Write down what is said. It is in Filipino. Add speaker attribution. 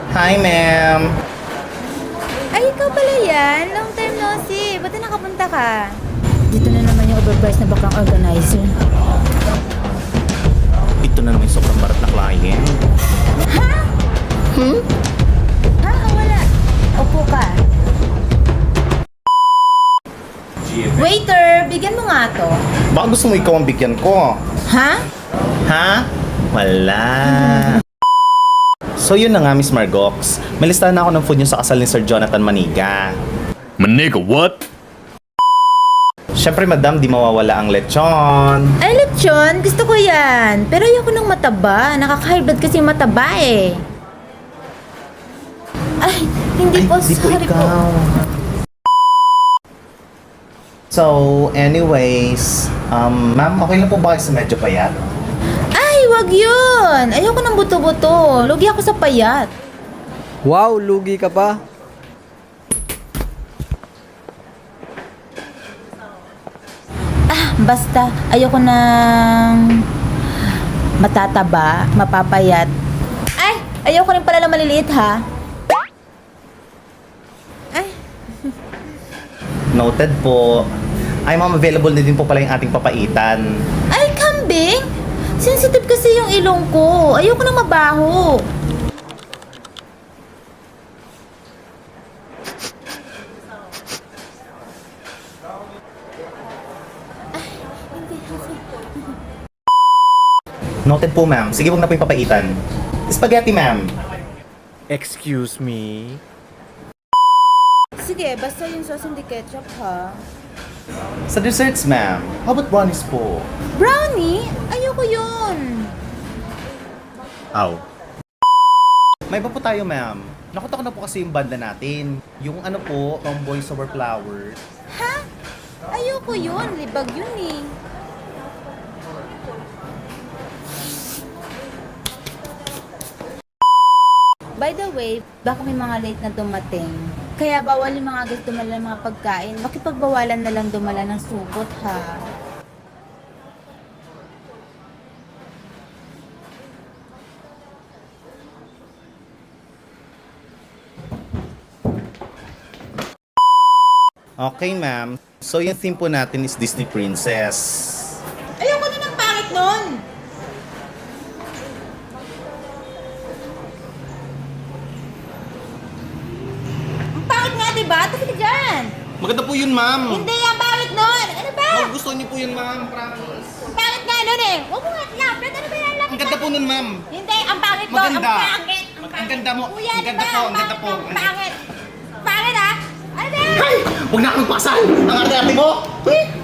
Speaker 1: Hi, ma'am.
Speaker 2: Ay, ikaw pala yan. Long time no see. Ba't na nakapunta ka? Dito na naman yung overpriced na bakang organizer.
Speaker 1: Ito na naman yung sobrang barat na client.
Speaker 2: Ha? Ha? Wala. Upo ka. Waiter, bigyan mo nga to.
Speaker 1: Baka gusto mo ikaw ang bigyan ko.
Speaker 2: Ha?
Speaker 1: Ha? Wala. So yun na nga, Miss Margox. May listahan na ako ng food niyo sa kasal ni Sir Jonathan Maniga.
Speaker 3: Maniga, what?
Speaker 1: Siyempre, madam, di mawawala ang lechon.
Speaker 2: Ay, lechon. Gusto ko yan. Pero ayoko ng mataba. Nakaka-high blood kasi yung mataba eh. Ay, hindi po.
Speaker 1: di
Speaker 2: Sorry po.
Speaker 1: So, anyways, ma'am, okay lang po ba kayo sa medyo payat?
Speaker 2: Ay, wag yun. Ayoko ng buto-buto. Lugi ako sa payat.
Speaker 4: Wow, lugi ka pa.
Speaker 2: Basta, ayoko ng matataba, mapapayat. Ay, ayoko rin pala na maliliit ha. Ay,
Speaker 1: Noted po. Ay, ma'am, available na din po pala yung ating papaitan.
Speaker 2: ay kambing. Sensitive kasi yung ilong ko. Ayoko ng mabaho.
Speaker 1: Noted po, ma'am. Sige, huwag na po yung papaitan. Spaghetti, ma'am.
Speaker 3: Excuse me?
Speaker 2: Sige, basta yung sauce hindi ketchup ha.
Speaker 1: Sa desserts, ma'am. How about brownies po?
Speaker 2: Brownie? Ayoko yun.
Speaker 3: Aw.
Speaker 1: May iba po tayo, ma'am. Nakita ko na po kasi yung banda natin. Yung ano po, Tomboy Sour Flower.
Speaker 2: Ha? Ayoko yun. Libag yun eh. By the way, baka may mga late na dumating. Kaya bawal yung mga gusto dumala ng mga pagkain. Makipagbawalan na lang dumala ng supot ha.
Speaker 1: Okay, ma'am. So, yung theme po natin is Disney Princess.
Speaker 2: Ayoko na ng pangit nun! Ang pangit nga diba? Tabi ka dyan!
Speaker 1: Maganda po yun, ma'am.
Speaker 2: Hindi, ang pangit nun! Ano ba?
Speaker 1: Oh, gusto niyo po yun, ma'am. Promise.
Speaker 2: Ang pangit nga nun eh! Huwag mo nga lapit! Ano ba yan?
Speaker 1: Ang ganda po nun, ma'am.
Speaker 2: Hindi, ang pangit nun!
Speaker 1: Maganda.
Speaker 2: Ang pangit!
Speaker 1: Ang ganda mo.
Speaker 2: Kuya,
Speaker 1: Ang ganda
Speaker 2: diba?
Speaker 1: po, ang ganda po.
Speaker 2: Ang pangit! Pangit ah! Ano ba yan?
Speaker 1: Huwag na akong pakasal! Ang arte-arte mo!